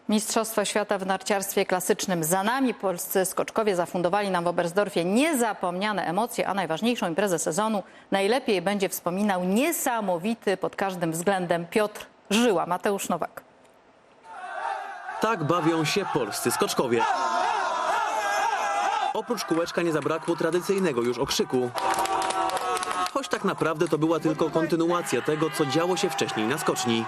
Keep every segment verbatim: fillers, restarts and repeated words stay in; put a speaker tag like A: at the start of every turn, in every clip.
A: Mistrzostwa świata w narciarstwie klasycznym za nami. Polscy skoczkowie zafundowali nam w Oberstdorfie niezapomniane emocje, a najważniejszą imprezę sezonu najlepiej będzie wspominał niesamowity pod każdym względem Piotr Żyła. Mateusz Nowak.
B: Tak bawią się polscy skoczkowie. Oprócz kółeczka nie zabrakło tradycyjnego już okrzyku. Choć tak naprawdę to była tylko kontynuacja tego, co działo się wcześniej na skoczni.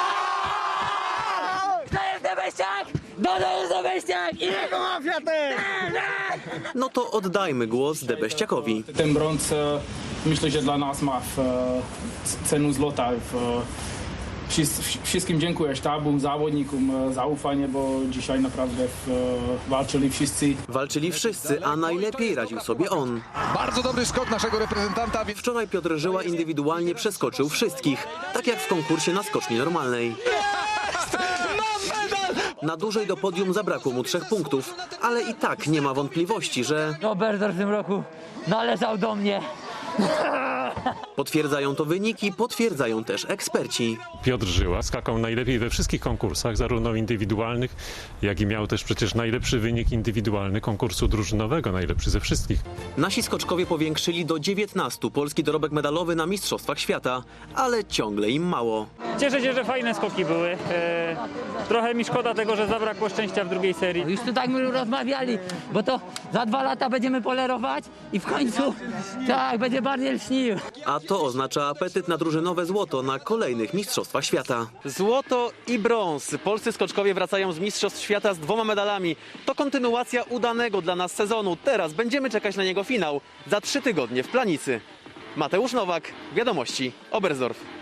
B: No to oddajmy głos Debeściakowi.
C: Ten brąz, myślę, że dla nas ma w, cenę złota. W, wszystkim dziękuję sztabu, zawodnikom za ufanie, bo dzisiaj naprawdę w, walczyli wszyscy.
B: Walczyli wszyscy, a najlepiej radził sobie on.
D: Bardzo dobry skok naszego reprezentanta.
B: Wczoraj Piotr Żyła indywidualnie przeskoczył wszystkich, tak jak w konkursie na skoczni normalnej. Na dłużej do podium zabrakło mu trzech punktów, ale i tak nie ma wątpliwości, że
E: Oberstdorf w tym roku należał do mnie.
B: potwierdzają to wyniki, potwierdzają też eksperci.
F: Piotr Żyła skakał najlepiej we wszystkich konkursach, zarówno indywidualnych, jak i miał też przecież najlepszy wynik indywidualny konkursu drużynowego, najlepszy ze wszystkich.
B: Nasi skoczkowie powiększyli do dziewiętnastu polski dorobek medalowy na Mistrzostwach Świata, ale ciągle im mało.
G: Cieszę się, że fajne skoki były. E, trochę mi szkoda tego, że zabrakło szczęścia w drugiej serii.
E: Już tu tak my rozmawiali, bo to za dwa lata będziemy polerować i w końcu tak, będzie bardziej lśnił.
B: A to oznacza apetyt na drużynowe złoto na kolejnych Mistrzostwach Świata. Złoto i brąz. Polscy skoczkowie wracają z Mistrzostw Świata z dwoma medalami. To kontynuacja udanego dla nas sezonu. Teraz będziemy czekać na niego finał za trzy tygodnie w Planicy. Mateusz Nowak, Wiadomości, Oberstdorf.